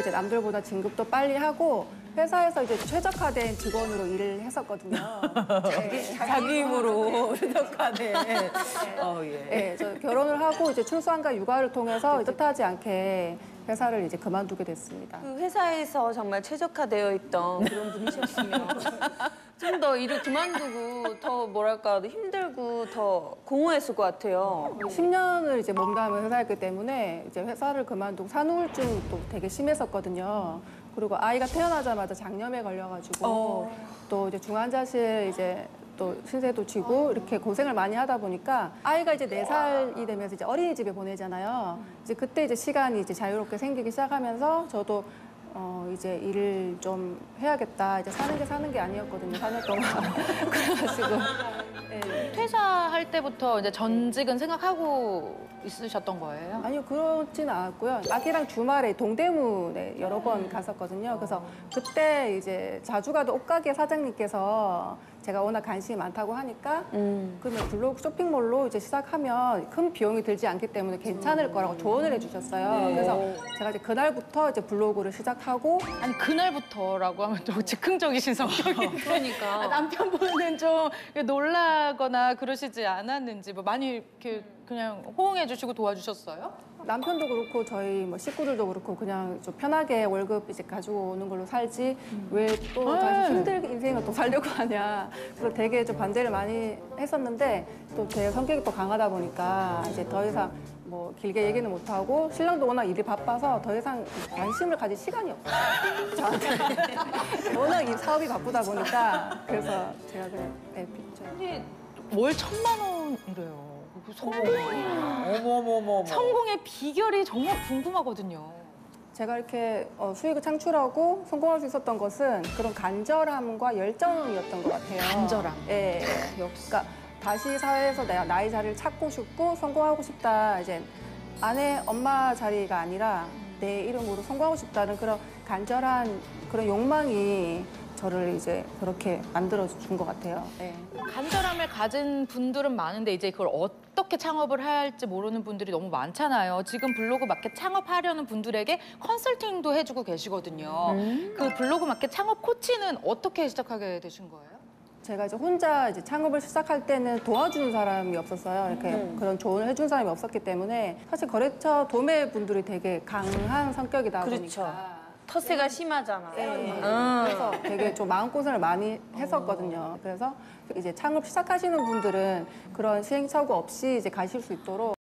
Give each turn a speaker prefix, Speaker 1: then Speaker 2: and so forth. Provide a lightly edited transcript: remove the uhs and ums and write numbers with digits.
Speaker 1: 이제 남들보다 진급도 빨리 하고 회사에서 이제 최적화된 직원으로 일을 했었거든요.
Speaker 2: 자기 힘으로 최적화된. 예.
Speaker 1: 네, 저 결혼을 하고 이제 출산과 육아를 통해서 뜻하지 않게 회사를 이제 그만두게 됐습니다.
Speaker 2: 그 회사에서 정말 최적화되어 있던 그런 분이셨으면 좀 더 일을 그만두고 더 뭐랄까 힘들고 더 공허했을 것 같아요.
Speaker 1: 10년을 이제 몸담은 회사였기 때문에 이제 회사를 그만두고 산후우울증도 되게 심했었거든요. 그리고 아이가 태어나자마자 장염에 걸려가지고 또 이제 중환자실 이제 또 신세도 지고 이렇게 고생을 많이 하다 보니까 아이가 이제 4살이 되면서 이제 어린이집에 보내잖아요. 이제 그때 이제 시간이 이제 자유롭게 생기기 시작하면서 저도 이제 일을 좀 해야겠다. 이제 사는 게 아니었거든요. 4년 동안. 그래가지고. 네.
Speaker 3: 퇴사할 때부터 이제 전직은 생각하고 있으셨던 거예요?
Speaker 1: 아니요, 그렇지는 않았고요. 아기랑 주말에 동대문에 여러 번 갔었거든요. 그래서 그때 이제 자주 가던 옷가게 사장님께서 제가 워낙 관심이 많다고 하니까 그러면 블로그 쇼핑몰로 이제 시작하면 큰 비용이 들지 않기 때문에 괜찮을 거라고 조언을 해주셨어요. 그래서 제가 이제 그날부터 이제 블로그를 시작하고
Speaker 3: 아니 그날부터라고 하면 또 즉흥적이신 성격인데
Speaker 2: 그러니까.
Speaker 3: 남편분은 좀 놀라거나 그러시지 않았는지 뭐 많이 이렇게 그냥 호응해 주시고 도와주셨어요?
Speaker 1: 남편도 그렇고 저희 뭐 식구들도 그렇고 그냥 좀 편하게 월급 이제 가지고 오는 걸로 살지 왜 또 다시 힘들게 인생을 또 살려고 하냐. 그래서 되게 좀 반대를 많이 했었는데 또 제 성격이 또 강하다 보니까 이제 더 이상 뭐 길게 얘기는 못 하고 신랑도 워낙 일이 바빠서 더 이상 관심을 가질 시간이 없어요. 저한테. 워낙 이 사업이 바쁘다 보니까 그래서 제가 그냥 pis죠.
Speaker 3: 근데 월 1,000만 원이래요.
Speaker 2: 어머머머.
Speaker 3: 성공의 비결이 정말 궁금하거든요.
Speaker 1: 제가 이렇게 수익을 창출하고 성공할 수 있었던 것은 그런 간절함과 열정이었던 것 같아요.
Speaker 3: 간절함.
Speaker 1: 예. 그러니까 다시 사회에서 내가 나의 자리를 찾고 싶고 성공하고 싶다. 이제 아내, 엄마 자리가 아니라 내 이름으로 성공하고 싶다는 그런 간절한 그런 욕망이 저를 이제 그렇게 만들어준 것 같아요. 네.
Speaker 3: 간절함을 가진 분들은 많은데 이제 그걸 어떻게 창업을 할지 모르는 분들이 너무 많잖아요. 지금 블로그 마켓 창업하려는 분들에게 컨설팅도 해주고 계시거든요. 그 블로그 마켓 창업 코치는 어떻게 시작하게 되신 거예요?
Speaker 1: 제가 이제 혼자 이제 창업을 시작할 때는 도와주는 사람이 없었어요. 이렇게 그런 조언을 해준 사람이 없었기 때문에 사실 거래처 도매 분들이 되게 강한 성격이다
Speaker 2: 그렇죠.
Speaker 1: 보니까.
Speaker 2: 텃세가 심하잖아요.
Speaker 1: 네. 그래서 되게 좀 마음고생을 많이 했었거든요. 그래서 이제 창업 시작하시는 분들은 그런 시행착오 없이 이제 가실 수 있도록